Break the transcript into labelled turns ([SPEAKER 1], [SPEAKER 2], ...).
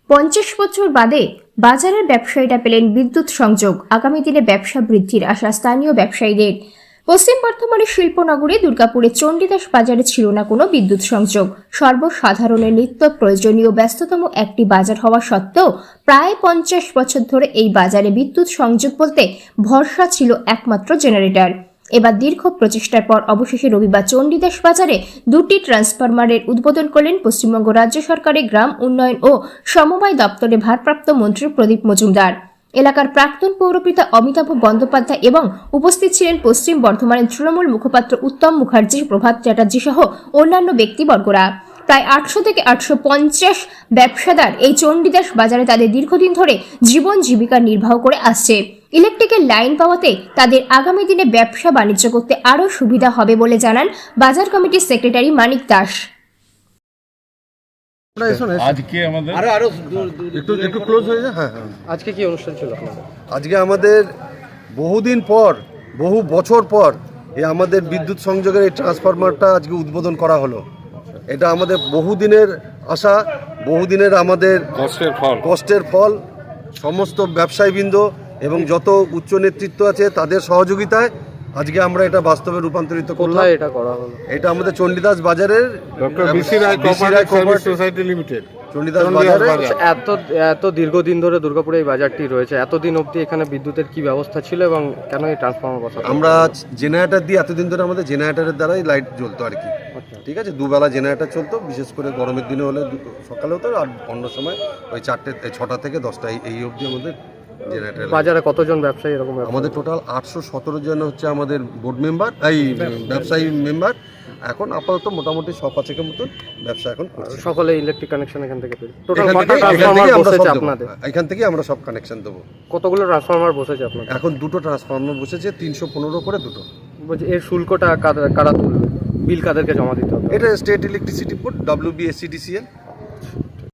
[SPEAKER 1] 50 বছর বাদে বাজারের ব্যবসায়ীরা পেলেন বিদ্যুৎ সংযোগ। আগামী দিনে ব্যবসা বৃদ্ধির আশা স্থানীয় ব্যবসায়ীদের। পশ্চিম বর্ধমানের শিল্পনগরী দুর্গাপুরের চণ্ডীদাস বাজারে ছিল না কোনো বিদ্যুৎ সংযোগ। সর্বসাধারণের নিত্য প্রয়োজনীয় ব্যস্ততম একটি বাজার হওয়া সত্ত্বেও প্রায় 50 বছর ধরে এই বাজারে বিদ্যুৎ সংযোগ বলতে ভরসা ছিল একমাত্র জেনারেটর। এবার দীর্ঘ প্রচেষ্টার পর অবশেষে রবিবার চণ্ডীদাস বাজারে 2টি ট্রান্সফরমারের উদ্বোধন করলেন পশ্চিমবঙ্গ রাজ্য সরকারের গ্রাম উন্নয়ন ও সমবায় দপ্তরের ভারপ্রাপ্ত মন্ত্রী প্রদীপ মজুমদার। এলাকার প্রাক্তন পৌরপিতা অমিতাভ বন্দ্যোপাধ্যায় এবং উপস্থিত ছিলেন পশ্চিম বর্ধমানের তৃণমূল মুখপাত্র উত্তম মুখার্জি, প্রভাত চ্যাটার্জি সহ অন্যান্য ব্যক্তিবর্গরা। প্রায় 800 থেকে 850 ব্যবসাদার এই চণ্ডীদাস বাজারে তাদের দীর্ঘদিন ধরে জীবন জীবিকা নির্বাহ করে আসছে। ইলেকট্রিকের লাইন পাওয়াতে তাদের আগামী দিনে ব্যবসা বাণিজ্য করতে আরও সুবিধা হবে বলে জানান বাজার কমিটির সেক্রেটারি মানিক দাস।
[SPEAKER 2] আজকে আমাদের
[SPEAKER 3] একটু ক্লোজ হয়ে যায়। হ্যাঁ,
[SPEAKER 4] আজকে কি অনুষ্ঠান ছিল আপনাদের?
[SPEAKER 3] আজকে আমাদের বহুদিন পর, বহু বছর পর আমাদের বিদ্যুৎ সংযোগের এই ট্রান্সফরমারটা আজকে উদ্বোধন করা হলো। এটা আমাদের বহুদিনের আশা, বহুদিনের আমাদের কষ্টের ফল। সমস্ত ব্যবসায়ীবৃন্দ এবং যত উচ্চ নেতৃত্ব আছে তাদের সহযোগিতায় আজকে আমরা এটা বাস্তবে রূপান্তরিত করলাম।
[SPEAKER 4] কোথায় এটা করা হলো?
[SPEAKER 3] এটা আমাদের চণ্ডীদাস বাজারের
[SPEAKER 2] doctor B C Roy cooperative service society limited
[SPEAKER 3] Chandidas বাজারে।
[SPEAKER 4] এত দীর্ঘদিন ধরে দুর্গাপুরে এই বাজারটি রয়েছে, এতদিন অবধি এখানে বিদ্যুতের কি ব্যবস্থা ছিল এবং কেন এই ট্রান্সফরমার বসানো?
[SPEAKER 3] আমরা জেনারেটর দিয়ে এতদিন ধরে আমাদের জেনারেটরের দ্বারাই লাইট জ্বলতো আর কি। ঠিক আছে, দুবেলা জেনারেটর চলতো, বিশেষ করে গরমের দিনে হলে সকালে হতো আর অন্য সময় ওই 6টা থেকে 10টা এই অবধি আমাদের জেনারেটর।
[SPEAKER 4] বাজারে কতজন ব্যবসায়ী এরকম?
[SPEAKER 3] আমাদের টোটাল 817 জন হচ্ছে আমাদের বোর্ড মেম্বার, এই ব্যবসায়ী মেম্বার। এখন আপাতত মোটামুটি 5-6 মতন ব্যবসা এখন করছে।
[SPEAKER 4] সকলে ইলেকট্রিক কানেকশন এখান থেকে পেয়েছে। টোটাল
[SPEAKER 3] এখান
[SPEAKER 4] কত
[SPEAKER 3] থেকেই
[SPEAKER 4] ট্রান্সফরমার
[SPEAKER 3] আমরা
[SPEAKER 4] বসেছে
[SPEAKER 3] সব দেবো।
[SPEAKER 4] আপনাদের?
[SPEAKER 3] এখান থেকেই আমরা সব কানেকশন দেবো।
[SPEAKER 4] কতগুলো ট্রান্সফরমার বসেছে আপনাদের?
[SPEAKER 3] এখন 2টো ট্রান্সফরমার বসেছে, 315 করে 2টো।
[SPEAKER 4] বলছি এর শুল্কটা কারা তুলবে? বিল কাদেরকে জমা দিতে হবে?
[SPEAKER 3] এটা স্টেট ইলেকট্রিসিটি বোর্ড, WBSCDCL।